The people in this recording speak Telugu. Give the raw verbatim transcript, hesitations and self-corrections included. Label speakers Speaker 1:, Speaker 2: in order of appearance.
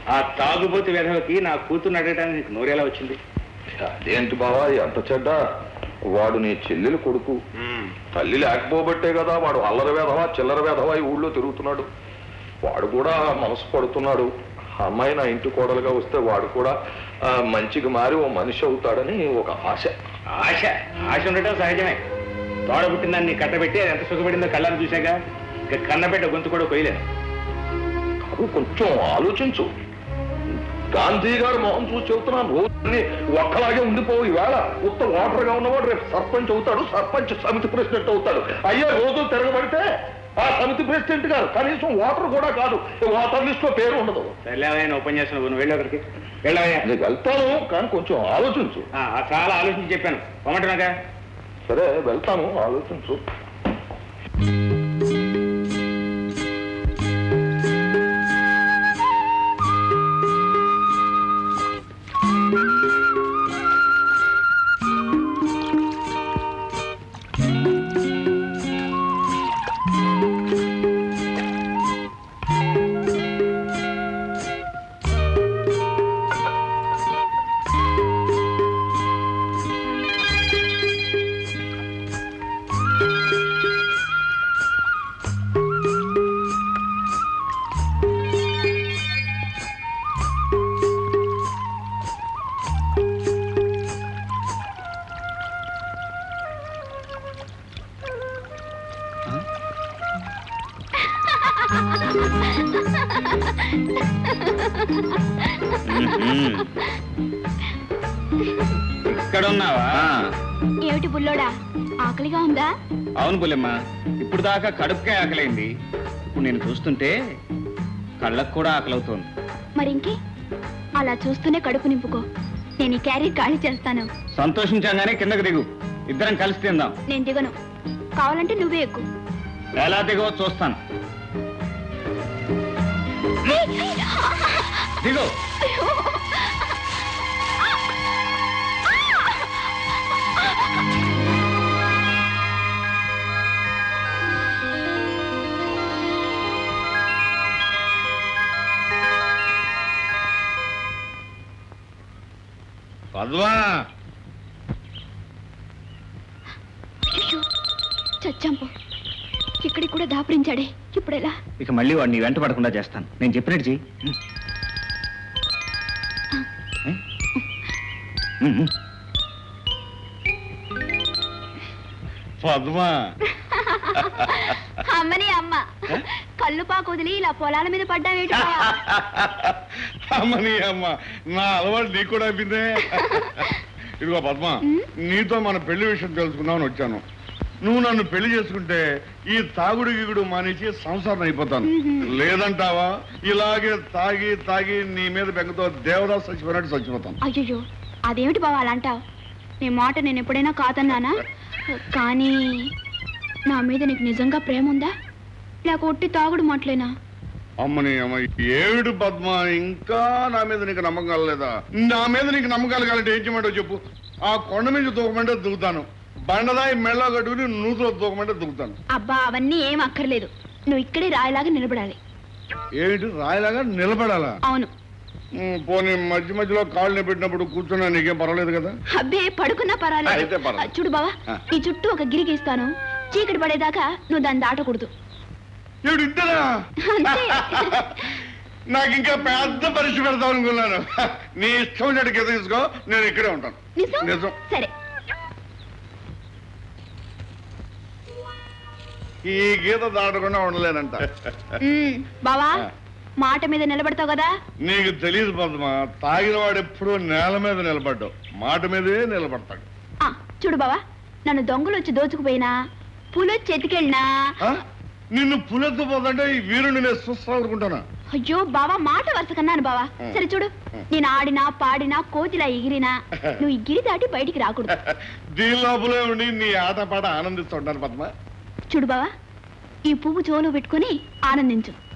Speaker 1: ఆ తాగుబోతు వెధవకి నా కూతురు అడగడానికి నోరేలా వచ్చింది?
Speaker 2: అదేంటి బావా ఎంత చెడ్డ? వాడు నీ చెల్లెలు కొడుకు. తల్లి లేకపోబట్టే కదా వాడు అల్లరి వేధవా చిల్లర వేధవా ఈ ఊళ్ళో తిరుగుతున్నాడు. వాడు కూడా మనసు పడుతున్నాడు. అమ్మాయి నా ఇంటి కోడలుగా వస్తే వాడు కూడా మంచిగా మారి ఓ మనిషి అవుతాడని ఒక ఆశ.
Speaker 1: ఆశ ఆశ ఉండటం సహజమే. తోడ పుట్టిందాన్ని కట్టబెట్టి అది ఎంత సుఖపడిందో కళ్ళని చూశాక ఇక కన్నబెట్ట గొంతు కూడా కొయ్యలేను.
Speaker 2: కాదు కొంచెం ఆలోచించు. గాంధీ గారు మొహం చూసి చెబుతున్నాను, రోజుని ఒక్కలాగే ఉండిపోవు. ఈవేళ ఉత్త ఓటర్గా ఉన్నవాడు రేపు సర్పంచ్ అవుతాడు, సర్పంచ్ సమితి ప్రెసిడెంట్ అవుతాడు. అయ్యే రోజు తిరగబడితే ఆ సమితి ప్రెసిడెంట్ గారు కనీసం ఓటర్ కూడా కాదు, ఓటర్ లిస్ట్ లో పేరు ఉండదు.
Speaker 1: సర్లేవయ్యా ఉపన్యాసం నువ్వు వెళ్ళి అక్కడికి వెళ్ళవయ్యా.
Speaker 2: నీకు వెళ్తాను కానీ కొంచెం ఆలోచించు.
Speaker 1: చాలా ఆలోచించి చెప్పాను పొమ్మంటున్నాగా.
Speaker 2: సరే వెళ్తాను, ఆలోచించు.
Speaker 1: ఇక్కడున్నావా?
Speaker 3: ఏమిటి బుల్లోడా, ఆకలిగా ఉందా?
Speaker 1: అవును బుల్లెమ్మ, ఇప్పుడు దాకా కడుపుకే ఆకలైంది. ఇప్పుడు నేను చూస్తుంటే కళ్ళకు కూడా ఆకలవుతోంది.
Speaker 3: మరింకే అలా చూస్తూనే కడుపు నింపుకో. నేను ఈ క్యారీ ఖాళీ చేస్తాను.
Speaker 1: సంతోషించగానే కిందకు దిగు, ఇద్దరం కలిసి తిందాం.
Speaker 3: నేను దిగను, కావాలంటే నువ్వే ఎక్కు.
Speaker 1: ఎలా దిగో చూస్తాను. దిగు. పద్మా,
Speaker 3: చచ్చాంపో, ఇక్కడికి కూడా దాపురించాడే. ఇప్పుడెలా?
Speaker 1: ఇక మళ్ళీ వాడిని వెంట పడకుండా చేస్తాను. నేను చెప్పినట్టు చెయ్యి. పద్మా,
Speaker 3: అమ్మని అమ్మ కళ్ళు పాకు వదిలి ఇలా పొలాల మీద పడ్డావేటి?
Speaker 4: అమ్మని అమ్మ, నా అలవాటు నీకు కూడా అయిపోయిందే. ఇదిగో పద్మ, నీతో మన పెళ్లి విషయం తెలుసుకుందామని వచ్చాను. నువ్వు నన్ను పెళ్లి చేసుకుంటే ఈ తాగుడు గిగుడు మానేసి సంసారం అయిపోతాను. లేదంటావా ఇలాగే తాగి తాగి నీ మీద బెంగతో దేవదాస్ చచ్చిపోయినట్టు చచ్చిపోతాను.
Speaker 3: అయ్యో, అదేమిటి బావ అలా అంటావు? నీ మాట నేను ఎప్పుడైనా కాదన్నానా? కానీ నా మీద నీకు నిజంగా ప్రేమ ఉందా, లేక ఒట్టి తాగుడు మాటలేనా?
Speaker 4: అమ్మని అమ్మ, ఏడు పద్మ, ఇంకా నా మీద నీకు నమ్మకం కలలేదా? నా మీద నీకు నమ్మకాలు కాలంటే ఏం చేయమంటో చెప్పు. ఆ కొండ మీద దూకమంటే దిగుతాను, బండదాయి మెళ్ళ కట్టుకుని నూతులో దూకమంటే దిగుతాను.
Speaker 3: అబ్బా, అవన్నీ ఏం అక్కర్లేదు. నువ్వు ఇక్కడే రాయిలాగా నిలబడాలి.
Speaker 4: ఏమిటి రాయిలాగా నిలబడాలా?
Speaker 3: అవును.
Speaker 4: పోనీ మధ్య మధ్యలో కాళ్ళు పెట్టినప్పుడు కూర్చున్నా నీకేం పర్వాలేదు కదా?
Speaker 3: అబ్బే, పడుకున్నా పర్వాలేదు. చూడు బావా, ఈ చుట్టూ ఒక గిరి గీస్తాను. చీకటి పడేదాకా నువ్వు దాన్ని దాటకూడదు.
Speaker 4: నాకు ఇంకా పెద్ద పరీక్ష పెడతావు అనుకున్నాను. నీ ఇష్టం చెట్టుకి తీసుకో, నేను ఇక్కడే ఉంటాను. నిజం.
Speaker 3: సరే,
Speaker 4: ఈ గీత దాటకుండా ఉండలేనంట.
Speaker 3: బావా, మాట మీద నిలబడతావు కదా?
Speaker 4: నీకు తెలియదు పద్మ, తాగిన వాడు ఎప్పుడూ నేల మీద నిలబడ్డావు, మాట మీదే నిలబడతాడు.
Speaker 3: చూడు బావా, నన్ను దొంగలు వచ్చి దోచుకుపోయినా, పులొచ్చి ఎత్తుకెళ్ళినా,
Speaker 4: నిన్ను పులెత్తుపోతుంటే ఈ వీరుని నేను చూస్తానుకుంటానా?
Speaker 3: అయ్యో బావా, మాట వరుస కన్నాను బావా. సరే చూడు, నేను ఆడినా పాడినా కోతిలా ఎగిరినా నువ్వు ఈ గిరి దాటి బయటికి రాకూడదు.
Speaker 4: దీని లోపలే ఉండి నీ ఆట పాట ఆనందిస్తుంటాను పద్మ.
Speaker 3: చూడు బావా, ఈ పువ్వు చెవులో పెట్టుకుని ఆనందించు.